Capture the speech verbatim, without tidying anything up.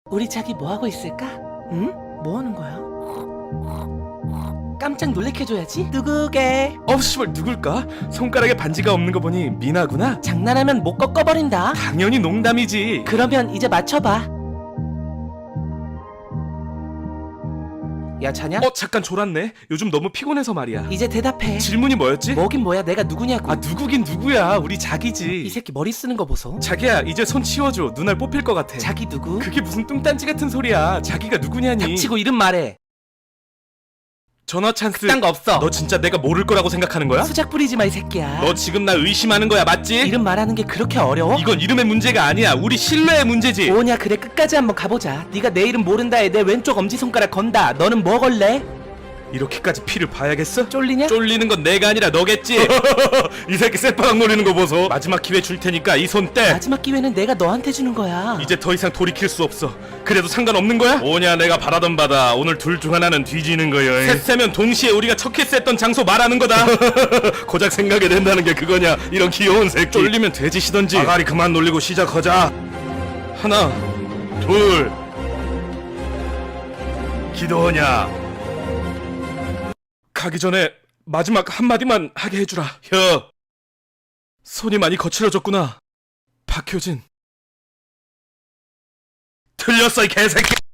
우리 자기 뭐하고 있을까? 응? 뭐하는 거야? 깜짝 놀래켜줘야지. 누구게? 어 씨발 누굴까? 손가락에 반지가 없는 거 보니 미나구나? 장난하면 못 꺾어버린다. 당연히 농담이지. 그러면 이제 맞춰봐. 야, 자냐? 어 잠깐 졸았네. 요즘 너무 피곤해서 말이야. 이제 대답해. 질문이 뭐였지? 뭐긴 뭐야, 내가 누구냐고. 아 누구긴 누구야. 우리 이 자기지. 새끼 머리 쓰는 거 보소. 자기야 이제 손 치워줘. 눈알 뽑힐 것 같아. 자기 누구? 그게 무슨 뚱딴지 같은 소리야. 자기가 누구냐니. 닥치고 이름 말해. 전화 찬스. 딴 거 없어. 너 진짜 내가 모를 거라고 생각하는 거야? 수작 부리지 마, 이 새끼야. 너 지금 나 의심하는 거야 맞지? 이름 말하는 게 그렇게 어려워? 이건 이름의 문제가 아니야. 우리 신뢰의 문제지. 뭐냐, 그래, 끝까지 한번 가보자. 네가 내 이름 모른다에 내 왼쪽 엄지손가락 건다. 너는 뭐 걸래? 이렇게까지 피를 봐야겠어? 쫄리냐? 쫄리는 건 내가 아니라 너겠지. 이 새끼 쇠바닥 노리는 거 보소. 마지막 기회 줄 테니까 이 손 떼. 마지막 기회는 내가 너한테 주는 거야. 이제 더 이상 돌이킬 수 없어. 그래도 상관없는 거야? 뭐냐 내가 바라던 바다. 오늘 둘 중 하나는 뒤지는 거야. 셋 세면 동시에 우리가 첫 키스했던 장소 말하는 거다. 고작 생각이 된다는 게 그거냐. 이런 귀여운 새끼. 쫄리면 돼지시던지. 아가리 그만 놀리고 시작하자. 하나 둘 기도하냐. 가기 전에 마지막 한마디만 하게 해주라. 혀. 손이 많이 거칠어졌구나. 박효진. 틀렸어 이 개새끼.